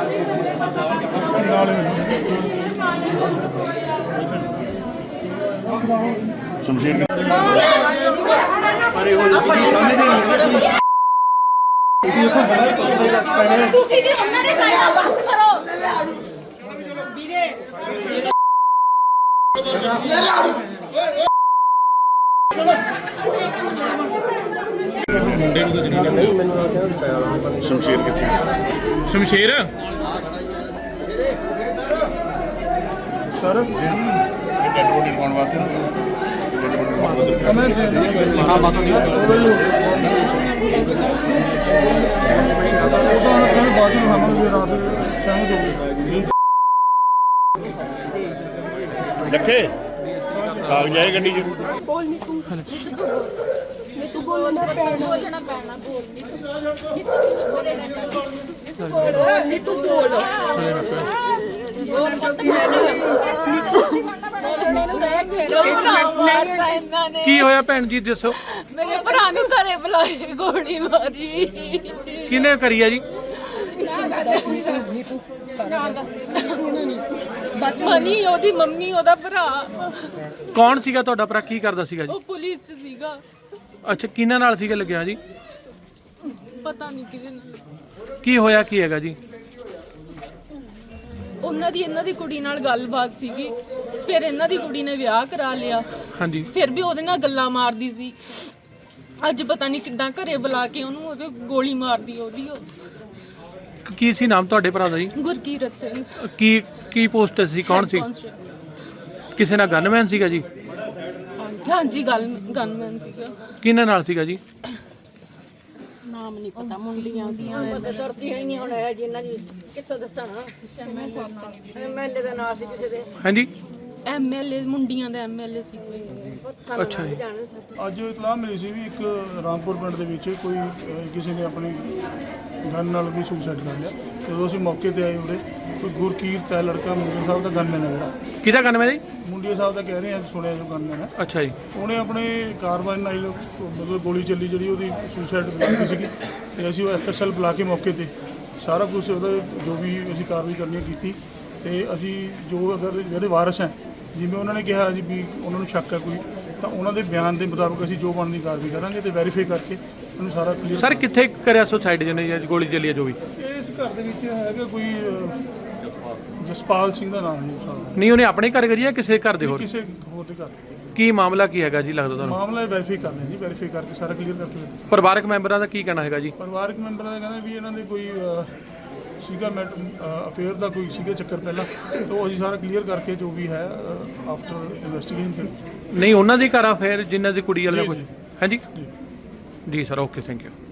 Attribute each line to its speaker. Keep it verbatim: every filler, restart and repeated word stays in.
Speaker 1: शमशेर
Speaker 2: ਤੁਸੀਂ ਵੀ ਉਹਨਾਂ ਦੇ ਸਾਈਡ ਨਾਲ ਬਸ ਕਰੋ ਵੀਰੇ
Speaker 1: मुंडे को तो शमशेर कितने शमशेर सर डेड कौन बात है हाँ बात नहीं बात हम रात सहमत हो गए रखे कागज आए गड्डी च
Speaker 2: बोल नहीं तू नहीं तू बोलना पैना बोलना पैना बोल नहीं तू नहीं तू बोल बोल
Speaker 3: ਕੀ ਹੋਇਆ ਭੈਣ ਜੀ ਦੱਸੋ
Speaker 2: ਮੇਰੇ ਭਰਾ ਨੂੰ ਘਰੇ ਬੁਲਾ ਕੇ ਗੋਲੀ ਮਾਰੀ
Speaker 3: ਕਿਹਨੇ ਕਰੀ ਆ ਜੀ
Speaker 2: ਮਨੀ ਉਹਦੀ ਮੰਮੀ ਉਹਦਾ ਭਰਾ
Speaker 3: ਕੌਣ ਸੀਗਾ ਤੁਹਾਡਾ ਭਰਾ ਕੀ ਕਰਦਾ ਸੀਗਾ ਜੀ
Speaker 2: ਉਹ ਪੁਲਿਸ ਚ ਸੀਗਾ
Speaker 3: ਅੱਛਾ ਕਿਹਨਾਂ ਨਾਲ ਸੀਗਾ ਲੱਗਿਆ ਜੀ
Speaker 2: ਪਤਾ ਨਹੀਂ ਕਿਹਦੇ ਨਾਲ
Speaker 3: ਕੀ ਹੋਇਆ ਕੀ ਹੈਗਾ ਜੀ
Speaker 2: ਉਹਨਾਂ ਦੀ ਇਹਨਾਂ ਦੀ ਕੁੜੀ ਨਾਲ ਗੱਲਬਾਤ ਸੀਗੀ ਫਿਰ ਇਹਨਾਂ ਦੀ ਕੁੜੀ ਨੇ ਵਿਆਹ ਕਰਾ ਲਿਆ
Speaker 3: ਹਾਂਜੀ
Speaker 2: ਫਿਰ ਵੀ ਉਹਦੇ ਨਾਲ ਗੱਲਾਂ ਮਾਰਦੀ ਸੀ ਅੱਜ ਪਤਾ ਨਹੀਂ ਕਿੱਦਾਂ ਘਰੇ ਬੁਲਾ ਕੇ ਉਹਨੂੰ ਉਹਦੇ ਗੋਲੀ ਮਾਰਦੀ ਉਹਦੀ ਉਹ
Speaker 3: ਕੀ ਸੀ ਨਾਮ ਤੁਹਾਡੇ ਭਰਾ ਦਾ ਜੀ
Speaker 2: ਗੁਰਕੀਰਤ ਸਿੰਘ
Speaker 3: ਕੀ ਕੀ ਪੋਸਟ ਸੀ ਕੌਣ ਸੀ ਕਿਸੇ ਨਾਲ ਗਨਮੈਨ ਸੀਗਾ ਜੀ
Speaker 2: ਹਾਂਜੀ ਗੱਲ ਗਨਮੈਨ ਸੀਗਾ
Speaker 3: ਕਿਹਨਾਂ ਨਾਲ ਸੀਗਾ ਜੀ
Speaker 2: ਨਾਮ ਨਹੀਂ ਪਤਾ ਮੁੰਡੀਆਂ ਦੀਆਂ
Speaker 4: ਪਤਾ ਸਰਦੀਆਂ ਹੀ ਨਹੀਂ ਹੁਣ ਇਹ ਜਿੰਨਾਂ ਦੀ ਕਿੱਥੋਂ ਦੱਸਣਾ ਐਮਐਲਏ ਦਾ ਨਾਂ ਸੀ ਕਿਸੇ ਦੇ
Speaker 3: ਹਾਂਜੀ
Speaker 2: ਐਮਐਲਏ ਮੁੰਡੀਆਂ ਦਾ ਐਮਐਲਏ ਸੀ ਕੋਈ
Speaker 3: ਅੱਛਾ ਜੀ
Speaker 5: ਅੱਜ ਇਤਲਾਹ ਮਿਲੀ ਸੀ ਵੀ ਇੱਕ ਰਾਮਪੁਰ ਪਿੰਡ ਦੇ ਵਿੱਚ ਕੋਈ ਅਹ, ਕਿਸੇ ਨੇ ਆਪਣੀ ਗਨ ਨਾਲ ਵੀ ਸੁਸਾਈਡ ਕਰ ਲਿਆ। ਜਦੋਂ ਅਸੀਂ ਮੌਕੇ ਤੇ ਆਏ ਉਰੇ ਕੋਈ ਗੁਰਕੀਰਤ ਹੈ ਲੜਕਾ ਮੁੰਡੇ ਸਾਹਿਬ ਦਾ ਗਨਮੈਨ ਹੈ ਜਿਹੜਾ
Speaker 3: ਕਿਹਦਾ ਗਨਮੈਨ ਜੀ
Speaker 5: ਮੁੰਡੇ ਸਾਹਿਬ ਦਾ ਕਹਿ ਰਹੇ ਆ ਸੁਣਿਆ ਜੋ ਗਨਮੈਨ ਹੈ
Speaker 3: ਅੱਛਾ ਜੀ
Speaker 5: ਉਹਨੇ ਆਪਣੇ ਕਾਰਵਾਈ ਨਾਲ ਮਤਲਬ ਗੋਲੀ ਚੱਲੀ ਜਿਹੜੀ ਉਹਦੀ ਸੁਸਾਈਡ ਬੁਲਾਈ ਸੀਗੀ ਤੇ ਅਸੀਂ ਉਹ ਐਫਐਸਐਲ ਬੁਲਾ ਕੇ ਮੌਕੇ ਤੇ ਸਾਰਾ ਕੁਝ ਉਹਦਾ ਜੋ ਵੀ ਅਸੀਂ ਕਾਰਵਾਈ ਕਰਨੀ ਕੀਤੀ ਤੇ ਅਸੀਂ ਜੋ ਅਗਰ ਜਿਹੜੇ ਵਾਰਸ ਹੈ ਜਿਵੇਂ ਉਹਨਾਂ ਨੇ ਕਿਹਾ ਜੀ ਵੀ ਉਹਨਾਂ ਨੂੰ ਸ਼ੱਕ ਹੈ ਕੋਈ ਤਾਂ ਉਹਨਾਂ ਦੇ ਬਿਆਨ ਦੇ ਮੁਤਾਬਕ ਅਸੀਂ ਜੋ ਬਣਦੀ ਕਾਰਵਾਈ ਕਰਾਂਗੇ ਤੇ ਵੈਰੀਫਾਈ ਕਰਕੇ ਉਹਨੂੰ ਸਾਰਾ ਕਲੀਅਰ
Speaker 3: ਸਰ ਕਿੱਥੇ ਕਰਿਆ ਸੁਸਾਈਡ ਜਿਹਨੇ ਜਾਂ ਗੋਲੀ ਚੱਲੀ ਆ ਜੋ ਵੀ
Speaker 5: ਇਸ ਘਰ ਦੇ ਵਿੱਚ ਹੈਗਾ ਕੋਈ ਅਹ, ਜਸਪਾਲ ਸਿੰਘ ਦਾ ਨਾਮ ਹੈ ਸਾਹਿਬ
Speaker 3: ਨਹੀਂ ਉਹਨੇ ਆਪਣੇ ਘਰ ਕਰੀ ਜਾਂ ਕਿਸੇ ਘਰ ਦੇ ਹੋਰ
Speaker 5: ਕਿਸੇ ਹੋਰ ਦੇ ਘਰ
Speaker 3: ਕੀ ਮਾਮਲਾ ਕੀ ਹੈਗਾ ਜੀ ਲੱਗਦਾ ਤੁਹਾਨੂੰ
Speaker 5: ਮਾਮਲਾ ਵੈਰੀਫਾਈ ਕਰਨਾ ਜੀ ਵੈਰੀਫਾਈ ਕਰਕੇ ਸਾਰਾ ਕਲੀਅਰ ਕਰਕੇ
Speaker 3: ਪਰਿਵਾਰਕ ਮੈਂਬਰਾਂ ਦਾ ਕੀ ਕਹਿਣਾ ਹੈਗਾ ਜੀ
Speaker 5: ਪਰਿਵਾਰਕ ਮੈਂਬਰਾਂ ਦਾ ਕਹਿੰਦੇ ਵੀ ਇਹਨਾਂ ਦੇ ਕੋਈ ਅਹ, ਸੀਗਾ ਮੈਟ ਅਫੇਅਰ ਦਾ ਕੋਈ ਸੀਗਾ ਚੱਕਰ ਪਹਿਲਾਂ ਤੋਂ ਅਸੀਂ ਸਾਰਾ ਕਲੀਅਰ ਕਰਕੇ ਜੋ ਵੀ ਹੈ ਆਫਟਰ ਇਨਵੈਸਟੀਗੇਸ਼ਨ
Speaker 3: ਨਹੀਂ ਉਹਨਾਂ ਦੀ ਘਰ ਆ ਫਿਰ ਜਿਨ੍ਹਾਂ ਦੀ ਕੁੜੀ ਵਾਲਾ
Speaker 5: ਜੀ,
Speaker 3: ਕੁਝ
Speaker 5: ਜੀ।
Speaker 3: ਹਾਂਜੀ ਜੀ ਸਰ ਓਕੇ ਥੈਂਕ ਯੂ